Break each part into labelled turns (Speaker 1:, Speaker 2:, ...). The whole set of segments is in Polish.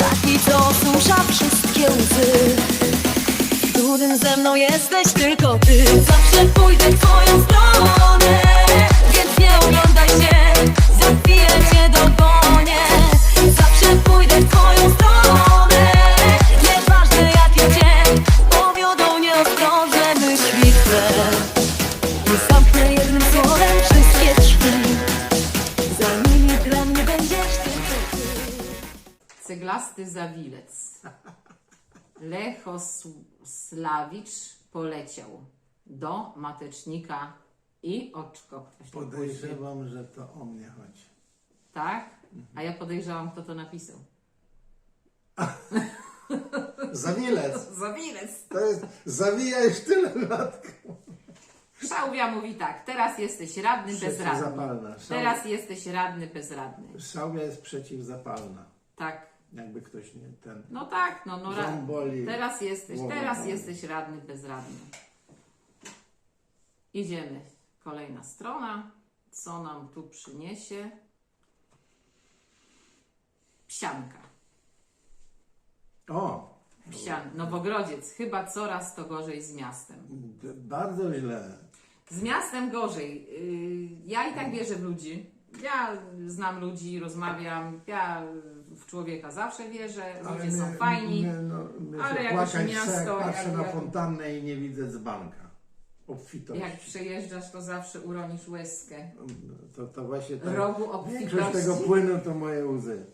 Speaker 1: taki, co osusza wszystkie łzy. Trudnym ze mną jesteś tylko ty. Zawsze pójdę w twoją stronę, więc nie oglądaj się, za chwilę cię dogonię. Zawsze pójdę w twoją stronę, nieważne jakie cię powiodą nieostrożne myśli twe. Nie zamknę jednym słowem wszystkie drzwi, za nimi dla mnie będziesz tylko ty.
Speaker 2: Ceglasty zawilec. Lechosławicz poleciał do matecznika i oczko.
Speaker 3: Podejrzewam, że to o mnie chodzi.
Speaker 2: Tak? A ja podejrzewam, kto to napisał.
Speaker 3: Zawilec!
Speaker 2: Zawilec.
Speaker 3: To jest, zawijaj sztyletką.
Speaker 2: Szałwia mówi tak, teraz jesteś radny bezradny.
Speaker 3: Przeciwzapalna.
Speaker 2: Teraz jesteś radny bezradny.
Speaker 3: Szałwia jest przeciwzapalna.
Speaker 2: Tak.
Speaker 3: Jakby ktoś nie ten.
Speaker 2: No tak, no
Speaker 3: Ząb boli,
Speaker 2: teraz
Speaker 3: boli.
Speaker 2: jesteś radny bezradny. Idziemy. Kolejna strona. Co nam tu przyniesie? Psianka.
Speaker 3: O!
Speaker 2: Nowogrodziec. Chyba coraz to gorzej z miastem.
Speaker 3: Bardzo źle.
Speaker 2: Z miastem gorzej. Ja i tak wierzę w ludzi. Ja znam ludzi, rozmawiam. Ja w człowieka zawsze wierzę. Ludzie są fajni. Ale jakoś miasto,
Speaker 3: Patrzę na
Speaker 2: jak-
Speaker 3: fontannę i nie widzę dzbanka. Obfitości.
Speaker 2: Jak przejeżdżasz, to zawsze uronisz łezkę.
Speaker 3: To właśnie tak.
Speaker 2: Rogu obfitości.
Speaker 3: Większość tego płynu to moje łzy.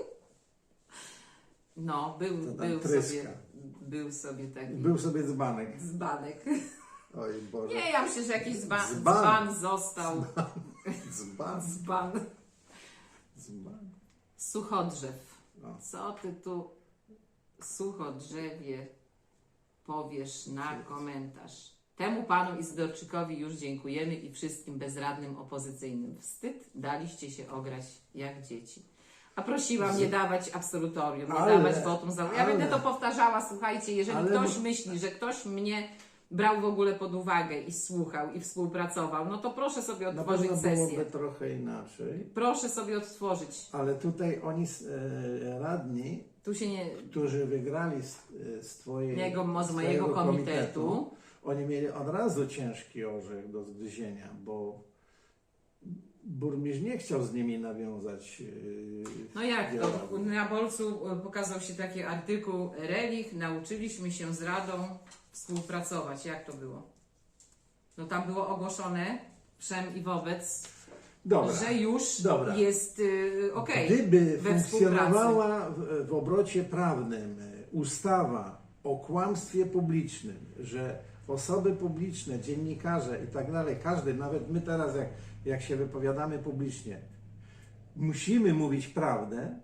Speaker 2: No,
Speaker 3: To tam tryska.
Speaker 2: był sobie taki
Speaker 3: Był sobie dzbanek.
Speaker 2: dzbanek.
Speaker 3: Oj Boże.
Speaker 2: Nie, ja myślę, że jakiś
Speaker 3: Dzban.
Speaker 2: dzban został.
Speaker 3: Dzban.
Speaker 2: Dzban.
Speaker 3: Dzban.
Speaker 2: Suchodrzew.
Speaker 3: O.
Speaker 2: Co ty tu, suchodrzewie, powiesz na komentarz? Temu panu Izydorczykowi już dziękujemy i wszystkim bezradnym opozycyjnym. Wstyd, daliście się ograć jak dzieci. A prosiłam nie dawać absolutorium, nie dawać wotum zaufania. Ja będę to powtarzała, słuchajcie, jeżeli ktoś myśli, że ktoś mnie brał w ogóle pod uwagę i słuchał i współpracował, no to proszę sobie
Speaker 3: Na
Speaker 2: otworzyć
Speaker 3: pewno
Speaker 2: sesję.
Speaker 3: byłoby trochę inaczej.
Speaker 2: Proszę sobie odtworzyć.
Speaker 3: Ale tutaj oni radni,
Speaker 2: Tu się nie...
Speaker 3: którzy wygrali z
Speaker 2: z mojego komitetu,
Speaker 3: oni mieli od razu ciężki orzech do zgryzienia, bo burmistrz nie chciał z nimi nawiązać
Speaker 2: No jak to?
Speaker 3: dialogu.
Speaker 2: Na Bolcu pokazał się taki artykuł Relich, nauczyliśmy się z Radą współpracować. Jak to było? No tam było ogłoszone wszem i wobec,
Speaker 3: Dobra.
Speaker 2: że już
Speaker 3: Dobra.
Speaker 2: jest okej.
Speaker 3: Gdyby
Speaker 2: we
Speaker 3: funkcjonowała w obrocie prawnym ustawa o kłamstwie publicznym, że osoby publiczne, dziennikarze i tak dalej, każdy, nawet my teraz jak się wypowiadamy publicznie, musimy mówić prawdę,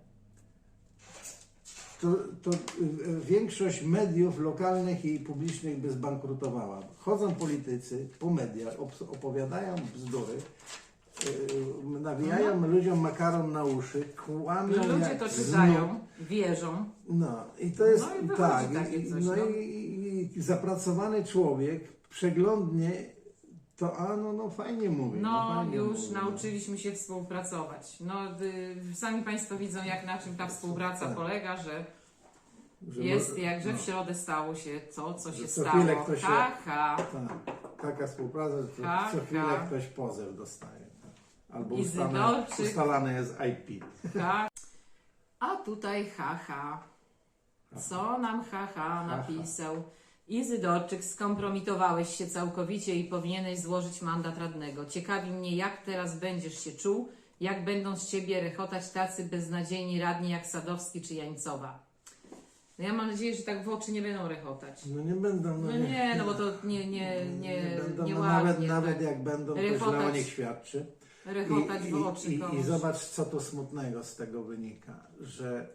Speaker 3: to większość mediów lokalnych i publicznych by zbankrutowała. Chodzą politycy po mediach, opowiadają bzdury, nawijają ludziom makaron na uszy, kłamią
Speaker 2: Ludzie
Speaker 3: jak
Speaker 2: to
Speaker 3: znów.
Speaker 2: czytają, wierzą.
Speaker 3: No i to jest
Speaker 2: No i wychodzi
Speaker 3: tak.
Speaker 2: takie coś,
Speaker 3: No
Speaker 2: no.
Speaker 3: i zapracowany człowiek przeglądnie to no fajnie mówi.
Speaker 2: No
Speaker 3: fajnie
Speaker 2: już
Speaker 3: mówi,
Speaker 2: nauczyliśmy się współpracować. No sami Państwo widzą, jak na czym ta współpraca
Speaker 3: Tak.
Speaker 2: polega, że
Speaker 3: Że
Speaker 2: jest
Speaker 3: może-
Speaker 2: jakże
Speaker 3: no.
Speaker 2: w środę stało się to, co się
Speaker 3: co
Speaker 2: stało.
Speaker 3: chwilę ktoś się-
Speaker 2: Ha, ha.
Speaker 3: Tak, taka współpraca, że
Speaker 2: Tak,
Speaker 3: co chwilę
Speaker 2: tak.
Speaker 3: ktoś pozew dostaje. Tak. Albo
Speaker 2: Izydorczyk.
Speaker 3: ustalane jest IP.
Speaker 2: Ha. A tutaj haha. Co nam haha napisał? Izydorczyk, skompromitowałeś się całkowicie i powinieneś złożyć mandat radnego. Ciekawi mnie, jak teraz będziesz się czuł, jak będą z ciebie rechotać tacy beznadziejni radni jak Sadowski czy Jańcowa. No ja mam nadzieję, że tak w oczy nie będą rechotać.
Speaker 3: No nie będą.
Speaker 2: No nie, no bo to
Speaker 3: nie będą,
Speaker 2: nie
Speaker 3: no
Speaker 2: ładnie,
Speaker 3: nawet
Speaker 2: tak.
Speaker 3: jak będą, to źle o
Speaker 2: Rechotać.
Speaker 3: nich świadczy.
Speaker 2: Rechotać w oczy
Speaker 3: I
Speaker 2: komuś.
Speaker 3: zobacz, co to smutnego z tego wynika, że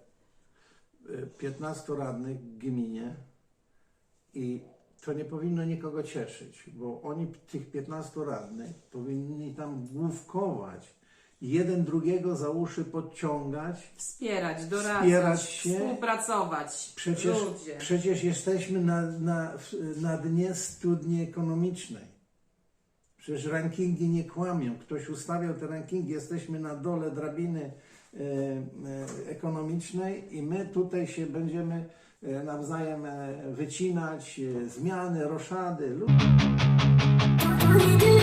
Speaker 3: 15 radnych w gminie i to nie powinno nikogo cieszyć, bo oni, tych 15 radnych, powinni tam główkować, jeden drugiego za uszy podciągać.
Speaker 2: Wspierać, doradzać,
Speaker 3: Wspierać się.
Speaker 2: współpracować. Ludzie.
Speaker 3: Przecież jesteśmy na dnie studni ekonomicznej. Przecież rankingi nie kłamią. Ktoś ustawiał te rankingi, jesteśmy na dole drabiny ekonomicznej i my tutaj się będziemy nawzajem wycinać, zmiany, roszady.
Speaker 1: We do